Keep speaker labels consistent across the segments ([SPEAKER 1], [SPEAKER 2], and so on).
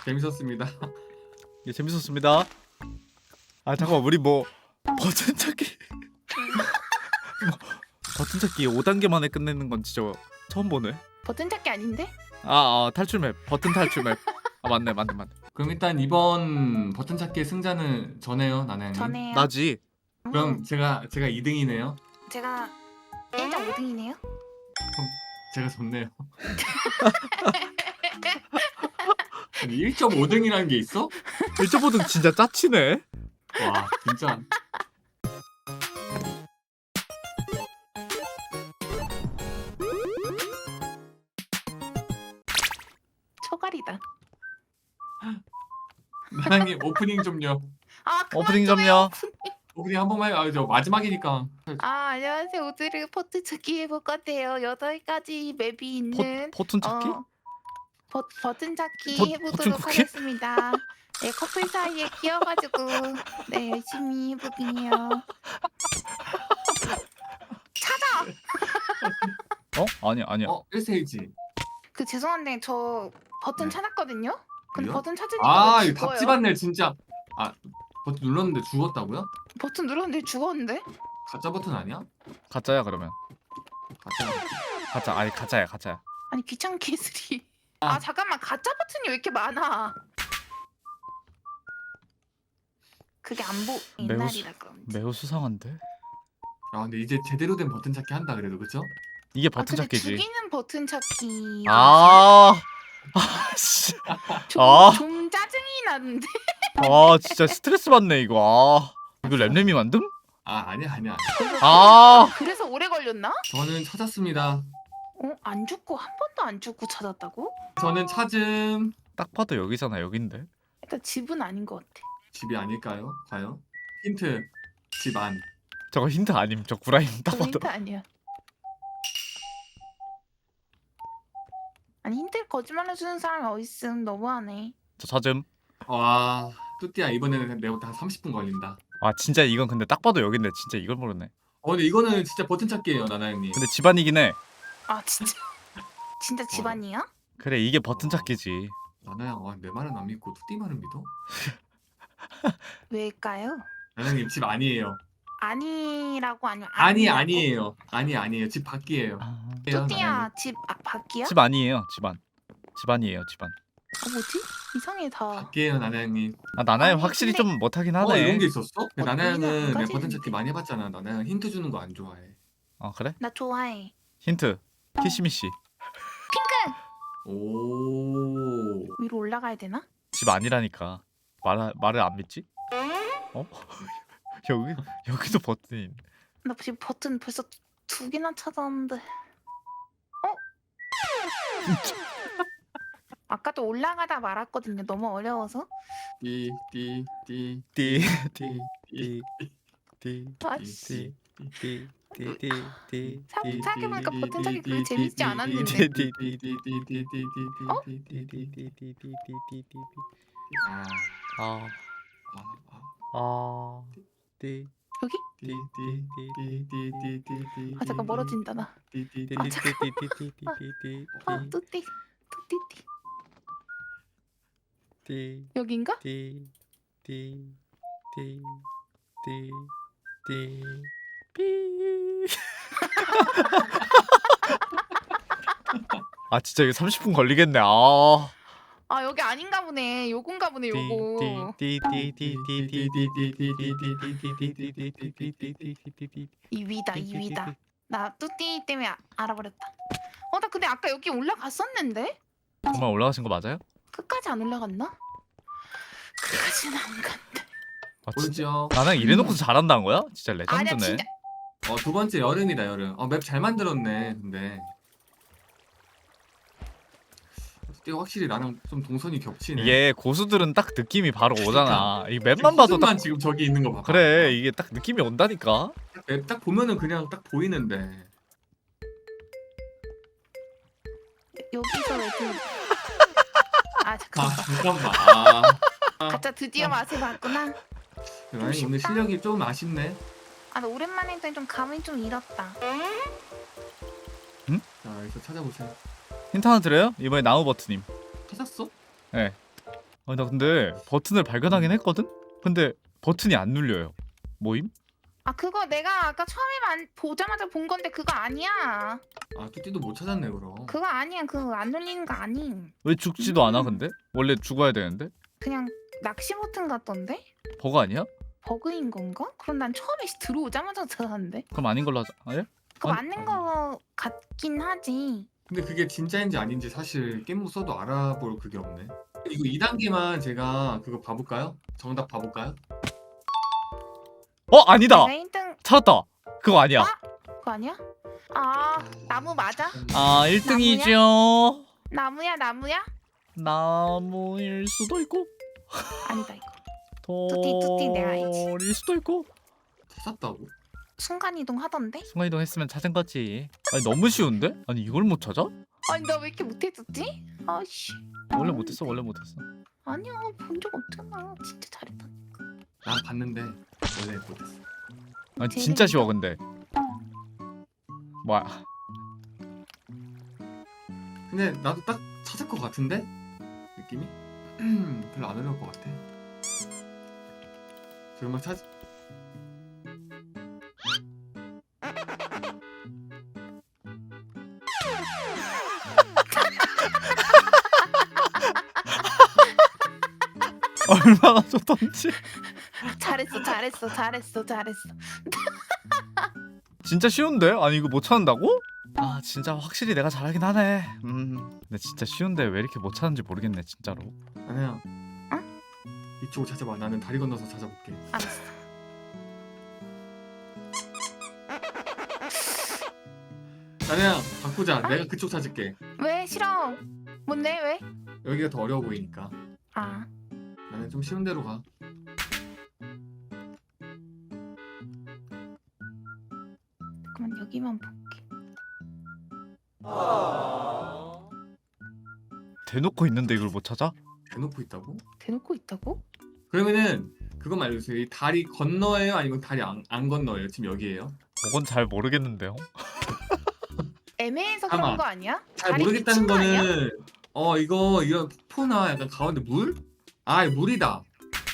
[SPEAKER 1] 재밌었습니다.
[SPEAKER 2] 예, 재밌었습니다. 아 잠깐만 우리 뭐 버튼 찾기 뭐, 버튼 찾기 5단계 만에 끝내는 건 진짜 처음 보네.
[SPEAKER 3] 버튼 찾기 아닌데?
[SPEAKER 2] 탈출 맵 버튼 탈출 맵. 아 맞네.
[SPEAKER 1] 그럼 일단 이번 버튼 찾기의 승자는 저네요, 나나형님.
[SPEAKER 3] 전에요.
[SPEAKER 2] 나지.
[SPEAKER 1] 그럼 제가 2등이네요.
[SPEAKER 3] 제가 1.5등이네요.
[SPEAKER 1] 제가 졌네요. 아니 1.5등이라는 게 있어?
[SPEAKER 2] 1.5등 진짜 짜치네.
[SPEAKER 1] 와 진짜.
[SPEAKER 3] 초갈이다.
[SPEAKER 1] 나나형님 오프닝 좀요.
[SPEAKER 3] 아
[SPEAKER 2] 오프닝 점요.
[SPEAKER 1] 오프닝 한 번만 해요. 저 마지막이니까.
[SPEAKER 3] 안녕하세요. 오늘은 버튼 찾기 해볼 건데요. 8가지 맵이 있는
[SPEAKER 2] 버튼 찾기?
[SPEAKER 3] 버튼 찾기
[SPEAKER 2] 버튼
[SPEAKER 3] 해보도록
[SPEAKER 2] 쿠키?
[SPEAKER 3] 하겠습니다. 네, 커플 사이에 끼어가지고 네 열심히 해보긴해요.
[SPEAKER 2] 아니야.
[SPEAKER 1] 1세이지.
[SPEAKER 3] 그 죄송한데 저 버튼
[SPEAKER 1] 네.
[SPEAKER 3] 찾았거든요. 근데
[SPEAKER 1] 왜요?
[SPEAKER 3] 버튼 찾으니까 왜
[SPEAKER 1] 이거
[SPEAKER 3] 죽어요?
[SPEAKER 1] 답지 받네 진짜. 버튼 눌렀는데 죽었다고요?
[SPEAKER 3] 버튼 눌렀는데 죽었는데?
[SPEAKER 1] 가짜 버튼 아니야?
[SPEAKER 2] 가짜야 그러면.
[SPEAKER 1] 가짜.
[SPEAKER 2] 가짜야.
[SPEAKER 3] 아니 귀찮게 해스리. 아 잠깐만 가짜 버튼이 왜 이렇게 많아? 그게 안보
[SPEAKER 2] 매우
[SPEAKER 3] 옛날이라 그런지.
[SPEAKER 2] 매우 수상한데?
[SPEAKER 1] 근데 이제 제대로 된 버튼 찾기 한다 그래도 그쵸?
[SPEAKER 2] 이게 버튼
[SPEAKER 3] 근데
[SPEAKER 2] 찾기지.
[SPEAKER 3] 죽이는 버튼 찾기.
[SPEAKER 2] 씨.
[SPEAKER 3] 좀,
[SPEAKER 2] 아.
[SPEAKER 3] 좀 짜증이 나는데.
[SPEAKER 2] 진짜 스트레스 받네 이거. 이거 램램이 만듦?
[SPEAKER 1] 아니야.
[SPEAKER 3] 그래서 오래 걸렸나?
[SPEAKER 1] 저는 찾았습니다.
[SPEAKER 3] 안 죽고 한 번도 안 죽고 찾았다고?
[SPEAKER 1] 저는 찾음.
[SPEAKER 2] 딱 봐도 여기잖아. 여긴데.
[SPEAKER 3] 일단 집은 아닌 것 같아.
[SPEAKER 1] 집이 아닐까요? 과연? 힌트. 집 안.
[SPEAKER 2] 저거 힌트 아님. 저 구라임 딱
[SPEAKER 3] 그거
[SPEAKER 2] 봐도.
[SPEAKER 3] 힌트 아니야. 아니 힌트 거짓말 해주는 사람이 어딨음. 너무하네.
[SPEAKER 2] 저 찾음.
[SPEAKER 1] 와, 뚜띠야 이번에는 내부터 한 30분 걸린다.
[SPEAKER 2] 진짜 이건 근데 딱 봐도 여긴데 진짜 이걸 모르네.
[SPEAKER 1] 근데 이거는 진짜 버튼 찾기예요, 나나 형님.
[SPEAKER 2] 근데 집안이긴 해.
[SPEAKER 3] 아 진짜? 진짜 집안이야?
[SPEAKER 2] 그래 이게 버튼 찾기지.
[SPEAKER 1] 나나 형, 내 말은 안 믿고 뚜띠 말은 믿어?
[SPEAKER 3] 왜일까요?
[SPEAKER 1] 나나 형님 집 아니에요.
[SPEAKER 3] 아니라고 아니면
[SPEAKER 1] 아니에요. 아니에요. 집 밖이에요.
[SPEAKER 3] 뚜띠야 집 밖이야?
[SPEAKER 2] 집 아니에요. 집안이에요. 집안.
[SPEAKER 3] 뭐지? 이상해 다.
[SPEAKER 1] 밖이에요, 나나 형님.
[SPEAKER 2] 나나야
[SPEAKER 3] 아니,
[SPEAKER 2] 확실히
[SPEAKER 3] 근데-
[SPEAKER 2] 좀 못하긴
[SPEAKER 1] 이런
[SPEAKER 2] 하네.
[SPEAKER 1] 게 있었어? 나나
[SPEAKER 3] 여기는 안
[SPEAKER 1] 형은 내
[SPEAKER 3] 가지는데.
[SPEAKER 1] 버튼 찾기 많이 해봤잖아. 나나 형 힌트 주는 거 안 좋아해.
[SPEAKER 2] 그래?
[SPEAKER 3] 나 좋아해.
[SPEAKER 2] 힌트. 키시미씨.
[SPEAKER 1] 오.
[SPEAKER 3] 위로 올라가야 되나?
[SPEAKER 2] 집 아니라니까. 말을 안 믿지? 여기도 버튼이 있네.
[SPEAKER 3] 나 지금 버튼 벌써 2개나 찾았는데. 아까도 올라가다 말았거든요. 너무 어려워서.
[SPEAKER 1] 띠.
[SPEAKER 3] 아씨.
[SPEAKER 2] 띠.
[SPEAKER 3] 생각해보니까 버튼 찾기 그렇게 재밌지 않았는데. 여기? 잠깐 멀어진다 나. 뚜띠. 여긴가?
[SPEAKER 2] 진짜 이거 30분 걸리겠네.
[SPEAKER 3] 여기 아닌가 보네. 요건가 보네 요거. 이 위다. 나 뚜띠 때문에 알아버렸다. 나 근데 아까 여기 올라갔었는데?
[SPEAKER 2] 정말 올라가신 거 맞아요?
[SPEAKER 3] 끝까지 안 올라갔나? 끝까지는 안 간대.
[SPEAKER 2] 진짜
[SPEAKER 1] 보이죠?
[SPEAKER 2] 나는 이래놓고서 잘한다는 거야? 진짜
[SPEAKER 3] 아니야
[SPEAKER 2] 레전드네.
[SPEAKER 3] 진짜.
[SPEAKER 1] 두 번째 여름이다 여름. 맵 잘 만들었네. 근데 뚜띠가 확실히 나랑 좀 동선이 겹치네.
[SPEAKER 2] 이게 고수들은 딱 느낌이 바로 오잖아. 이 맵만 봐도 딱
[SPEAKER 1] 지금 저기 있는 거 봐.
[SPEAKER 2] 그래 이게 딱 느낌이 온다니까.
[SPEAKER 1] 맵 딱 보면은 그냥 딱 보이는데.
[SPEAKER 3] 여기서 왜 그...
[SPEAKER 1] 잠깐만.
[SPEAKER 3] 가짜 드디어 맛을 봤구나.
[SPEAKER 1] 아니 오늘 실력이 좀 아쉽네.
[SPEAKER 3] 나 오랜만에 했더니 좀 감이 좀 잃었다.
[SPEAKER 1] 자 여기서 찾아보세요.
[SPEAKER 2] 힌트 하나 드려요? 이번에 나무 버튼님.
[SPEAKER 1] 찾았어?
[SPEAKER 2] 네. 아, 나 근데 버튼을 발견하긴 했거든? 근데 버튼이 안 눌려요. 뭐임?
[SPEAKER 3] 아 그거 내가 아까 처음에 보자마자 본 건데 그거 아니야.
[SPEAKER 1] 아 뚜띠도 못 찾았네 그럼.
[SPEAKER 3] 그거 아니야. 그거 안 눌리는 거 아님.
[SPEAKER 2] 왜 죽지도 않아 근데? 원래 죽어야 되는데?
[SPEAKER 3] 그냥 낚시 버튼 같던데?
[SPEAKER 2] 버거 아니야?
[SPEAKER 3] 버그인 건가? 그럼 난 처음에 들어오자마자 찾았는데.
[SPEAKER 2] 그럼 아닌 걸로 하자. 아, 예?
[SPEAKER 3] 그거
[SPEAKER 2] 아니-
[SPEAKER 3] 맞는 거 같긴 하지.
[SPEAKER 1] 근데 그게 진짜인지 아닌지 사실 게임 써도 알아볼 그게 없네. 이거 2단계만 제가 그거 봐볼까요? 정답 봐볼까요?
[SPEAKER 2] 아니다!
[SPEAKER 3] 내가 1등
[SPEAKER 2] 찾았다! 그거 아니야.
[SPEAKER 3] 그거 아니야? 아 나무 맞아?
[SPEAKER 2] 아 1등이죠.
[SPEAKER 3] 나무야 나무야?
[SPEAKER 2] 나무일 수도 있고
[SPEAKER 3] 아니다 이거. 뚜띠 내가 알지.
[SPEAKER 2] 돌일 수도 있고.
[SPEAKER 1] 찾았다고?
[SPEAKER 3] 순간이동 하던데?
[SPEAKER 2] 순간이동 했으면 찾은 거지. 아니 너무 쉬운데? 아니 이걸 못 찾아?
[SPEAKER 3] 아니 나 왜 이렇게 못해줬지? 아씨.
[SPEAKER 2] 원래 못했어 원래 못했어.
[SPEAKER 3] 아니야 본 적 없잖아. 진짜 잘했다.
[SPEAKER 1] 난 봤는데 원래 못했어.
[SPEAKER 2] 아니 진짜 쉬워 근데. 뭐야?
[SPEAKER 1] 근데 나도 딱 찾을 것 같은데? 느낌이? 별로 안 어려울 것 같아. 정말 찾...
[SPEAKER 2] 얼마나 좋던지.
[SPEAKER 3] 잘했어.
[SPEAKER 2] 진짜 쉬운데? 아니 이거 못 찾는다고? 아 진짜 확실히 내가 잘하긴 하네. 근데 진짜 쉬운데 왜 이렇게 못 찾는지 모르겠네 진짜로.
[SPEAKER 1] 나나야. 이쪽을 찾아봐. 나는 다리 건너서 찾아볼게.
[SPEAKER 3] 알았어.
[SPEAKER 1] 나나야 바꾸자. 내가 그쪽 찾을게.
[SPEAKER 3] 왜 싫어? 뭔데 왜?
[SPEAKER 1] 여기가 더 어려워 보이니까.
[SPEAKER 3] 아
[SPEAKER 1] 나는 좀 쉬운 데로 가.
[SPEAKER 3] 잠깐만 여기만 볼게.
[SPEAKER 2] 대놓고 있는데 이걸 못 찾아?
[SPEAKER 1] 대놓고 있다고?
[SPEAKER 3] 대놓고 있다고?
[SPEAKER 1] 그러면은 그것만 알려주세요. 이 다리 건너예요? 아니면 다리 안 건너예요? 지금 여기에요?
[SPEAKER 2] 그건 잘 모르겠는데요.
[SPEAKER 3] 애매해서
[SPEAKER 1] 잠깐만.
[SPEAKER 3] 그런 거 아니야?
[SPEAKER 1] 잘
[SPEAKER 3] 다리
[SPEAKER 1] 모르겠다는
[SPEAKER 3] 미친 거 아니야?
[SPEAKER 1] 거는 이거 이런 폭포나 약간 가운데 물? 아 물이다.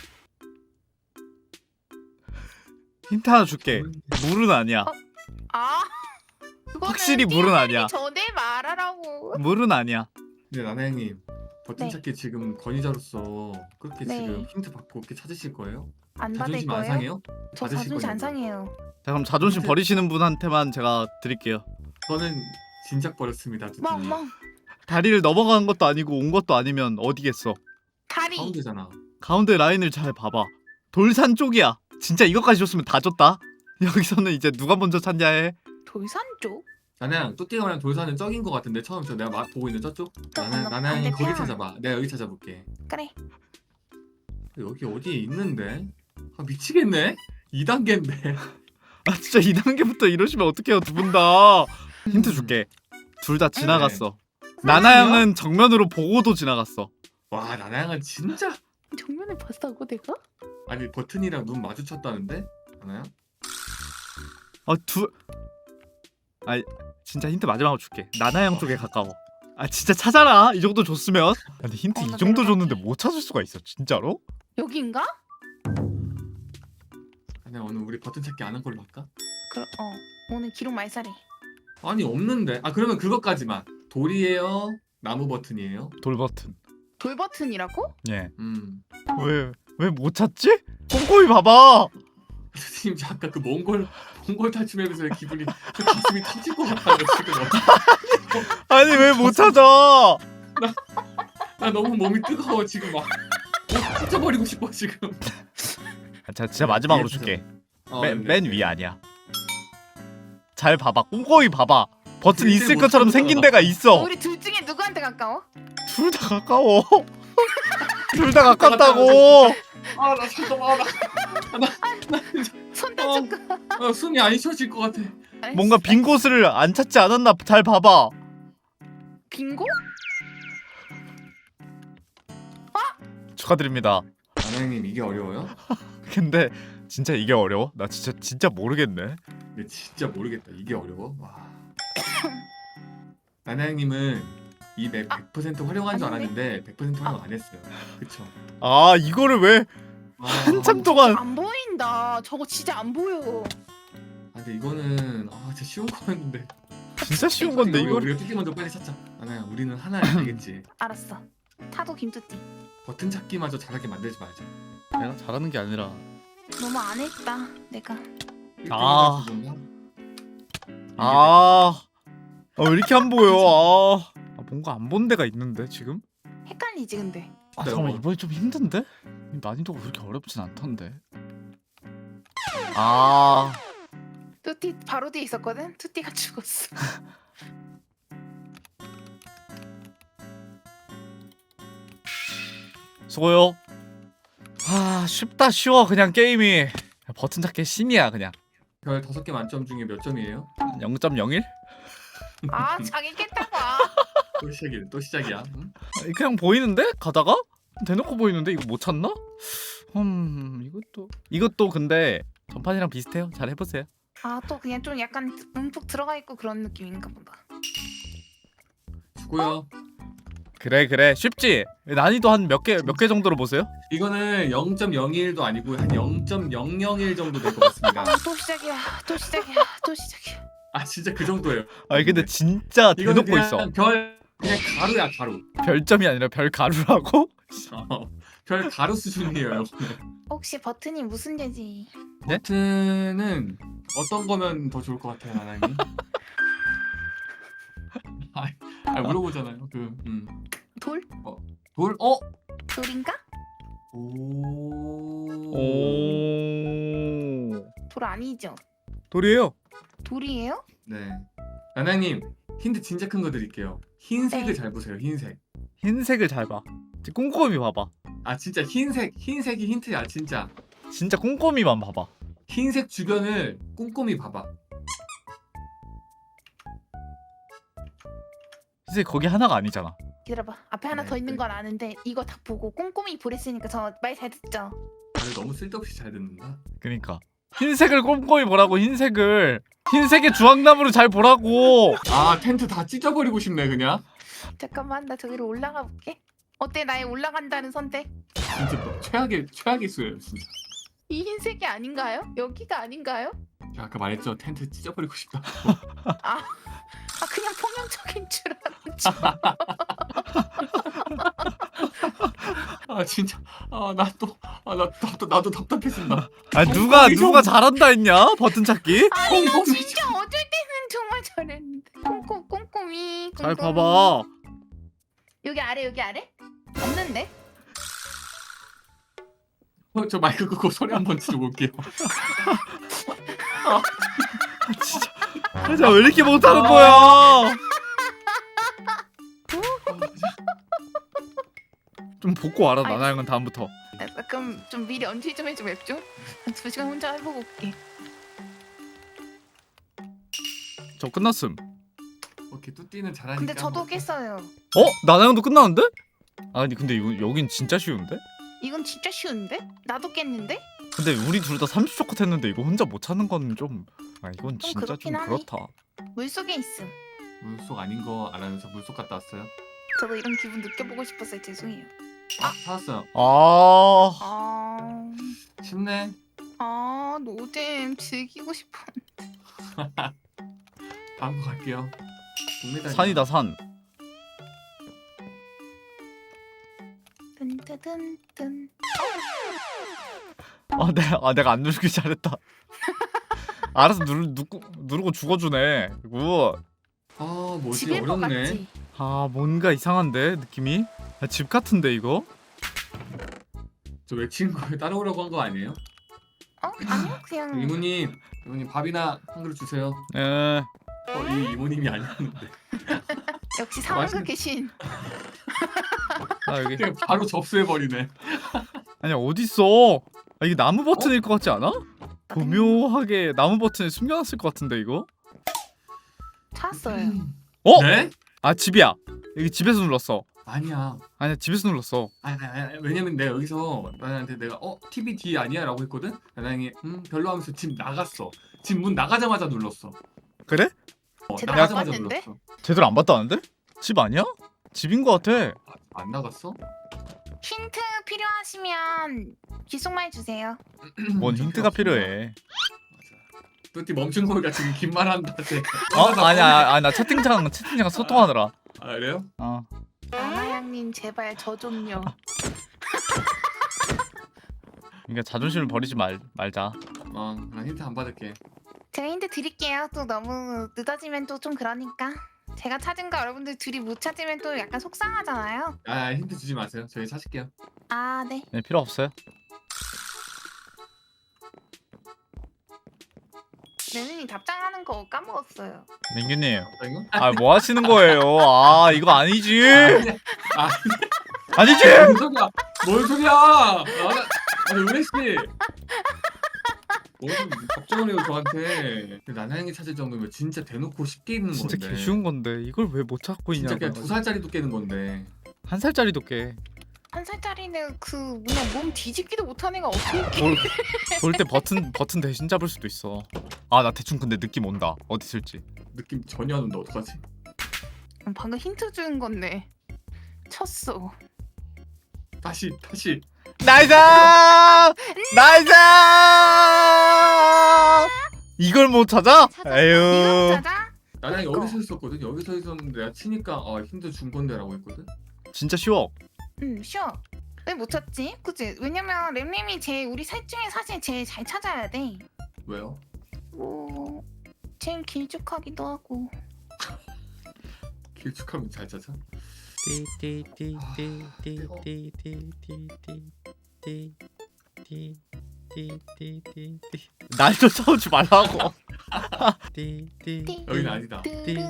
[SPEAKER 2] 힌트 하나 줄게. 물은 아니야.
[SPEAKER 3] 아 그거는
[SPEAKER 2] 확실히 물은 아니야.
[SPEAKER 3] 전에 말하라고.
[SPEAKER 2] 물은 아니야.
[SPEAKER 1] 근데 나나 형님 버튼
[SPEAKER 3] 네.
[SPEAKER 1] 찾기 지금 권위자로서 그렇게
[SPEAKER 3] 네.
[SPEAKER 1] 지금 힌트 받고 이렇게 찾으실 거예요?
[SPEAKER 3] 안 받을
[SPEAKER 1] 자존심 안
[SPEAKER 3] 거예요?
[SPEAKER 1] 상해요?
[SPEAKER 3] 저
[SPEAKER 1] 받으실
[SPEAKER 3] 자존심 안
[SPEAKER 1] 거냐고요?
[SPEAKER 3] 상해요.
[SPEAKER 2] 자 그럼 자존심
[SPEAKER 1] 힌트.
[SPEAKER 2] 버리시는 분한테만 제가 드릴게요.
[SPEAKER 1] 저는 진작 버렸습니다. 두분이.
[SPEAKER 3] 멍멍
[SPEAKER 2] 다리를 넘어간 것도 아니고 온 것도 아니면 어디겠어?
[SPEAKER 3] 다리.
[SPEAKER 1] 가운데잖아.
[SPEAKER 2] 가운데 라인을 잘 봐봐. 돌산 쪽이야. 진짜 이것까지 줬으면 다 줬다. 여기서는 이제 누가 먼저 찾냐 해.
[SPEAKER 3] 돌산 쪽?
[SPEAKER 1] 나나 형 뚜띠가랑 돌산은 적인 것 같은데 처음 내가 보고 있는 저쪽? 나나
[SPEAKER 3] 건너
[SPEAKER 1] 형이 거기
[SPEAKER 3] 반대편.
[SPEAKER 1] 찾아봐. 내가 여기 찾아볼게.
[SPEAKER 3] 그래.
[SPEAKER 1] 여기 어디에 있는데? 아 미치겠네. 2단계인데.
[SPEAKER 2] 아 진짜 2단계부터 이러시면 어떡해요 두 분 다. 힌트 줄게. 둘 다 지나갔어. 나나 형은 정면으로 보고도 지나갔어.
[SPEAKER 1] 와 나나 형은 진짜.
[SPEAKER 3] 정면에 봤다고 내가?
[SPEAKER 1] 아니 버튼이랑 눈 마주쳤다는데? 나나야?
[SPEAKER 2] 진짜 힌트 마지막으로 줄게. 나나 형 쪽에 가까워. 아 진짜 찾아라. 이 정도 줬으면. 근데 힌트 이
[SPEAKER 3] 나
[SPEAKER 2] 정도
[SPEAKER 3] 내려갈게.
[SPEAKER 2] 줬는데 못 찾을 수가 있어 진짜로?
[SPEAKER 3] 여긴가?
[SPEAKER 1] 나나 오늘 우리 버튼 찾기 안 한 걸로 할까?
[SPEAKER 3] 오늘 기록 말살해.
[SPEAKER 1] 아니 없는데. 아 그러면 그것까지만. 돌이에요? 나무 버튼이에요?
[SPEAKER 2] 돌 버튼.
[SPEAKER 3] 돌 버튼이라고?
[SPEAKER 2] 예. 왜 못 찾지? 꼼꼼히 봐봐.
[SPEAKER 1] 선생님 저 아까 그 몽골 탈춤하면서 기분이 저 가슴이 터질 것 같아요 지금.
[SPEAKER 2] 아니 왜 못 찾아?
[SPEAKER 1] 나 너무 몸이 뜨거워 지금 막. 터져버리고 싶어 지금.
[SPEAKER 2] 자 진짜 마지막으로 줄게.
[SPEAKER 1] 네.
[SPEAKER 2] 맨 위에 아니야. 잘 봐봐. 꼼꼼히 봐봐. 버튼
[SPEAKER 1] 절대
[SPEAKER 2] 있을
[SPEAKER 1] 못
[SPEAKER 2] 것처럼
[SPEAKER 1] 찾는
[SPEAKER 2] 생긴
[SPEAKER 1] 거다.
[SPEAKER 2] 데가 있어.
[SPEAKER 3] 우리 둘 중에 누구한테 가까워?
[SPEAKER 2] 둘 다 가까워. 둘 다 가깝다고.
[SPEAKER 1] 아나 잠깐만
[SPEAKER 3] 손 다쳤고.
[SPEAKER 1] 숨이 안 쉬어질 것 같아.
[SPEAKER 2] 뭔가 빈 곳을 안 찾지 않았나 잘 봐봐.
[SPEAKER 3] 빙고?
[SPEAKER 2] 축하드립니다.
[SPEAKER 1] 나나형님 이게 어려워요?
[SPEAKER 2] 근데 진짜 이게 어려워? 나 진짜 모르겠네.
[SPEAKER 1] 근데 진짜 모르겠다. 이게 어려워? 와. 나나형님은 이 맵 100% 활용한 줄
[SPEAKER 3] 아닌데?
[SPEAKER 1] 알았는데 100% 활용 안 했어요. 그쵸?
[SPEAKER 2] 아 이거를 왜
[SPEAKER 1] 아,
[SPEAKER 2] 한참 동안
[SPEAKER 3] 안 보인다. 저거 진짜 안 보여.
[SPEAKER 1] 근데 이거는 진짜 쉬운 거였는데.
[SPEAKER 2] 진짜 쉬운 건데
[SPEAKER 1] 이거
[SPEAKER 2] 이거를
[SPEAKER 1] 우리가 뚜띠 먼저 빨리 찾자. 아나야 우리는 하나 알겠지.
[SPEAKER 3] 알았어. 타도 김뚜띠.
[SPEAKER 1] 버튼 찾기마저 잘하게 만들지 말자.
[SPEAKER 2] 내가 잘하는 게 아니라
[SPEAKER 3] 너무 안 했다. 내가.
[SPEAKER 2] 아.
[SPEAKER 1] 1등이라서 그런가?
[SPEAKER 2] 왜 이렇게 안 보여 뭔가 안 본 데가 있는데 지금?
[SPEAKER 3] 헷갈리지 근데.
[SPEAKER 2] 잠깐만 이번에 좀 힘든데? 이 난이도가 그렇게 어렵진 않던데
[SPEAKER 3] 뚜띠 바로 뒤에 있었거든. 뚜띠가 죽었어.
[SPEAKER 2] 수고요 쉽다 쉬워 그냥 게임이 버튼 찾기 신이야 그냥
[SPEAKER 1] 별 5개 만점 중에 몇 점이에요?
[SPEAKER 2] 0.01?
[SPEAKER 3] 아 자기 깼다고.
[SPEAKER 1] 또 시작이야. 응?
[SPEAKER 2] 그냥 보이는데? 가다가? 대놓고 보이는데 이거 못 찾나? 이것도 근데 전판이랑 비슷해요 잘 해보세요
[SPEAKER 3] 아 또 그냥 좀 약간 움푹 들어가 있고 그런 느낌인가 보다.
[SPEAKER 1] 수고요.
[SPEAKER 2] 그래 쉽지? 난이도 한 몇 개 정도로 보세요?
[SPEAKER 1] 이거는 0.01도 아니고 한 0.001 정도 될 것 같습니다.
[SPEAKER 3] 또 시작이야. 또 시작이야. 또 시작이야.
[SPEAKER 1] 진짜 그 정도예요.
[SPEAKER 2] 아니 근데 진짜
[SPEAKER 1] 이거는
[SPEAKER 2] 대놓고
[SPEAKER 1] 그냥
[SPEAKER 2] 있어
[SPEAKER 1] 그냥 가루야 가루.
[SPEAKER 2] 별점이 아니라 별 가루라고?
[SPEAKER 1] 별 가루 수준이에요.
[SPEAKER 3] 혹시 버튼이 무슨 죄지?
[SPEAKER 2] 네?
[SPEAKER 1] 버튼은 어떤 거면 더 좋을 것 같아요, 나나님? 물어보잖아요.
[SPEAKER 3] 돌?
[SPEAKER 1] 돌?
[SPEAKER 3] 돌인가?
[SPEAKER 1] 오.
[SPEAKER 3] 돌 아니죠?
[SPEAKER 2] 돌이에요
[SPEAKER 3] 돌이에요?
[SPEAKER 1] 네. 나나님 힌트 진짜 큰 거 드릴게요. 흰색을
[SPEAKER 3] 네.
[SPEAKER 1] 잘 보세요. 흰색.
[SPEAKER 2] 흰색을 잘봐 꼼꼼히 봐봐
[SPEAKER 1] 진짜 흰색이 힌트야 진짜.
[SPEAKER 2] 진짜 꼼꼼히만 봐봐
[SPEAKER 1] 흰색 주변을 꼼꼼히 봐봐.
[SPEAKER 2] 흰색 거기 하나가 아니잖아
[SPEAKER 3] 기다려봐. 앞에 하나
[SPEAKER 1] 네,
[SPEAKER 3] 더 있는
[SPEAKER 1] 네.
[SPEAKER 3] 건 아는데 이거 다 보고 꼼꼼히 보랬으니까 저 말 잘 듣죠?
[SPEAKER 1] 다들 너무 쓸데없이 잘 듣는다.
[SPEAKER 2] 그니까 흰색을 꼼꼼히 보라고 흰색의 주황나무를 잘 보라고
[SPEAKER 1] 텐트 다 찢어버리고 싶네 그냥.
[SPEAKER 3] 잠깐만 나 저기로 올라가 볼게. 어때 나의 올라간다는 선택?
[SPEAKER 1] 진짜 최악의 수예요 진짜.
[SPEAKER 3] 이 흰색이 아닌가요? 여기가 아닌가요?
[SPEAKER 1] 아까 말했죠 텐트 찢어버리고 싶다.
[SPEAKER 3] 아 그냥 폭력적인 줄 알았죠.
[SPEAKER 1] 진짜 나도 답답해진다.
[SPEAKER 2] 누가 잘한다 했냐 버튼 찾기?
[SPEAKER 3] 아니 나 진짜 어쩔 때는 정말 잘했는데 꼼꼼히
[SPEAKER 2] 잘 봐봐
[SPEAKER 3] 여기 아래 없는데?
[SPEAKER 1] 저 마이크 끄고 소리 한번 지르고 올게요.
[SPEAKER 2] 진짜 왜 이렇게 못하는 거야 좀 복고 와라
[SPEAKER 3] 아이.
[SPEAKER 2] 나나 형은 다음부터
[SPEAKER 3] 그럼 좀 미리 언제 좀 해줘 맵 좀? 한 2시간 혼자 해보고 올게.
[SPEAKER 2] 저 끝났음
[SPEAKER 1] 오케이 뚜띠는 잘하니까.
[SPEAKER 3] 근데 저도
[SPEAKER 1] 한번.
[SPEAKER 3] 깼어요.
[SPEAKER 2] 나나 형도 끝났는데? 아니 근데 여긴 진짜 쉬운데?
[SPEAKER 3] 이건 진짜 쉬운데? 나도 깼는데?
[SPEAKER 2] 근데 우리 둘 다 30초 컷 했는데 이거 혼자 못 찾는 건 좀 이건 진짜
[SPEAKER 3] 그렇긴
[SPEAKER 2] 좀
[SPEAKER 3] 하네.
[SPEAKER 2] 그렇다
[SPEAKER 3] 물속에 있음.
[SPEAKER 1] 물속 아닌 거 알아면서 물속 갔다 왔어요.
[SPEAKER 3] 저도 이런 기분 느껴보고 싶었어요. 죄송해요.
[SPEAKER 1] 찾았어요.
[SPEAKER 3] 아...
[SPEAKER 1] 쉽네.
[SPEAKER 3] 노잼 즐기고 싶어.
[SPEAKER 1] 다음 거 갈게요. 동메달.
[SPEAKER 2] 산이다 산
[SPEAKER 3] 뜬뜨뜬뜬.
[SPEAKER 2] 내가 안 누르길 잘했다 알아서 누르고 죽어주네 이거
[SPEAKER 1] 뭐지
[SPEAKER 3] 집일 것
[SPEAKER 1] 어렵네.
[SPEAKER 3] 같지?
[SPEAKER 2] 뭔가 이상한데 느낌이 집 같은데 이거?
[SPEAKER 1] 저 외친 거에 따라오라고 한 거 아니에요?
[SPEAKER 3] 아니요 그냥
[SPEAKER 1] 이모님 밥이나 한 그릇 주세요.
[SPEAKER 2] 에
[SPEAKER 1] 이 이모님이 아니었는데.
[SPEAKER 3] 역시 상황극
[SPEAKER 1] 맛있는-
[SPEAKER 3] 계신.
[SPEAKER 2] 나 여기
[SPEAKER 1] 그냥 바로 접수해 버리네.
[SPEAKER 2] 아니 어딨어 이게 나무 버튼일 것 같지 않아?
[SPEAKER 3] 나는
[SPEAKER 2] 교묘하게 나무 버튼에 숨겨놨을 것 같은데 이거?
[SPEAKER 3] 찾았어요.
[SPEAKER 1] 네?
[SPEAKER 2] 집이야 여기 집에서 눌렀어
[SPEAKER 1] 아니야.
[SPEAKER 2] 아니야 집에서 눌렀어
[SPEAKER 1] 아니, 왜냐면 내가 여기서 나한테 내가 TV D 아니야? 라고 했거든? 나랑이 별로 하면서 집 나갔어. 집 문 나가자마자 눌렀어.
[SPEAKER 2] 그래?
[SPEAKER 3] 제대로 안
[SPEAKER 1] 나가자마자
[SPEAKER 3] 봤는데?
[SPEAKER 1] 눌렀어.
[SPEAKER 2] 제대로 안 봤다는데? 집 아니야? 집인 거 같아.
[SPEAKER 1] 안 나갔어?
[SPEAKER 3] 힌트 필요하시면 귓속말 주세요.
[SPEAKER 2] 뭔 힌트가 필요해.
[SPEAKER 1] 맞아. 뚜띠 멈춘 거니까 지금 긴 말한다.
[SPEAKER 2] 아니야 나 채팅창 소통하느라.
[SPEAKER 1] 아 그래요?
[SPEAKER 3] 나나양님 제발 저 좀요.
[SPEAKER 2] 그러니까 자존심을 버리지 말자.
[SPEAKER 1] 난 힌트 안 받을게.
[SPEAKER 3] 제가 힌트 드릴게요. 또 너무 늦어지면 또 좀 그러니까. 제가 찾은 거 여러분들 둘이 못 찾으면 또 약간 속상하잖아요.
[SPEAKER 1] 아 힌트 주지 마세요. 저희 찾을게요.
[SPEAKER 3] 아 네.
[SPEAKER 2] 네, 필요 없어요.
[SPEAKER 3] 내눈이 답장하는 거 까먹었어요.
[SPEAKER 2] 민규님,
[SPEAKER 1] 이거?
[SPEAKER 2] 아 뭐 하시는 거예요? 아 이거 아니지.
[SPEAKER 1] 아
[SPEAKER 2] 아니지.
[SPEAKER 1] 뭔 소리야? 뭔 소리야? 아니 은혜 씨. 뭔 걱정을 해요 저한테. 나나양이 찾을 정도면 진짜 대놓고 쉽게 있는
[SPEAKER 2] 진짜
[SPEAKER 1] 건데.
[SPEAKER 2] 개 쉬운 건데 이걸 왜 못 찾고
[SPEAKER 1] 진짜
[SPEAKER 2] 있냐고.
[SPEAKER 1] 그냥 2살짜리도 깨는 건데.
[SPEAKER 2] 한 살짜리도 깨.
[SPEAKER 3] 한 살짜리는 그 뭐냐 몸 뒤집기도 못한 애가 어떻게
[SPEAKER 2] 돌 때 버튼 대신 잡을 수도 있어. 아 나 대충 근데 느낌 온다. 어디 있을지.
[SPEAKER 1] 느낌 전혀 안 온다. 어떡하지?
[SPEAKER 3] 방금 힌트 준 건데 쳤어.
[SPEAKER 1] 다시.
[SPEAKER 2] 나이스! 나이스! 이걸 못 찾아?
[SPEAKER 3] 이거
[SPEAKER 2] 에휴.
[SPEAKER 3] 찾아?
[SPEAKER 1] 나나양이
[SPEAKER 3] 그러니까.
[SPEAKER 1] 여기서 있었거든. 여기서 있었는데 내가 치니까 힌트 준 건데라고 했거든.
[SPEAKER 2] 진짜 쉬워.
[SPEAKER 3] 쉬워. 왜 못 찾지? 그치? 왜냐면 램램이 우리 셋 중에 사실 제일 잘 찾아야 돼.
[SPEAKER 1] 왜요?
[SPEAKER 3] 뭐 제일 길쭉하기도 하고.
[SPEAKER 1] 길쭉하면 잘 찾아?
[SPEAKER 2] 날 쫓아오지 말라고.
[SPEAKER 1] 여기는 아니다.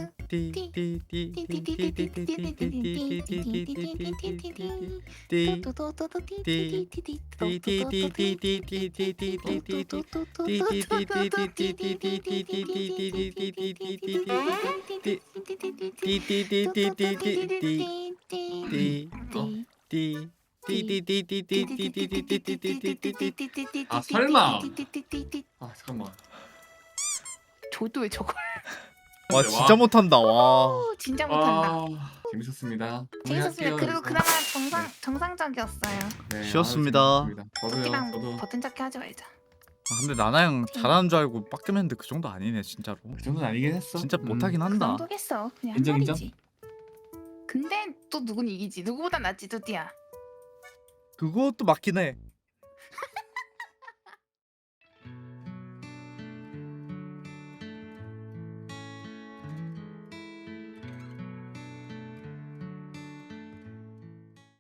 [SPEAKER 1] 아, 설마. 아 잠깐만.
[SPEAKER 3] 저도 왜 저걸?
[SPEAKER 2] 와 진짜 못한다. 와.
[SPEAKER 3] 진짜 못한다.
[SPEAKER 1] 재밌었습니다.
[SPEAKER 3] 재밌었습니다.
[SPEAKER 1] 정리할게요,
[SPEAKER 3] 그래도
[SPEAKER 1] 이거.
[SPEAKER 3] 그나마
[SPEAKER 1] 네.
[SPEAKER 3] 정상적이었어요.
[SPEAKER 1] 네,
[SPEAKER 2] 쉬웠습니다.
[SPEAKER 1] 재밌었습니다.
[SPEAKER 3] 토끼랑
[SPEAKER 1] 저도
[SPEAKER 3] 버튼 찾기 하지 말자.
[SPEAKER 2] 근데 나나양 잘하는 줄 알고 빡겜했는데 그 정도 아니네 진짜로.
[SPEAKER 1] 그 정도는 아니긴 했어.
[SPEAKER 2] 진짜 못하긴 한다.
[SPEAKER 3] 감독했어. 그냥 한
[SPEAKER 1] 인정, 인정.
[SPEAKER 3] 말이지. 근데 또 누군 이기지? 누구보다 낫지, 뚜띠야.
[SPEAKER 2] 그것도 맞긴 해.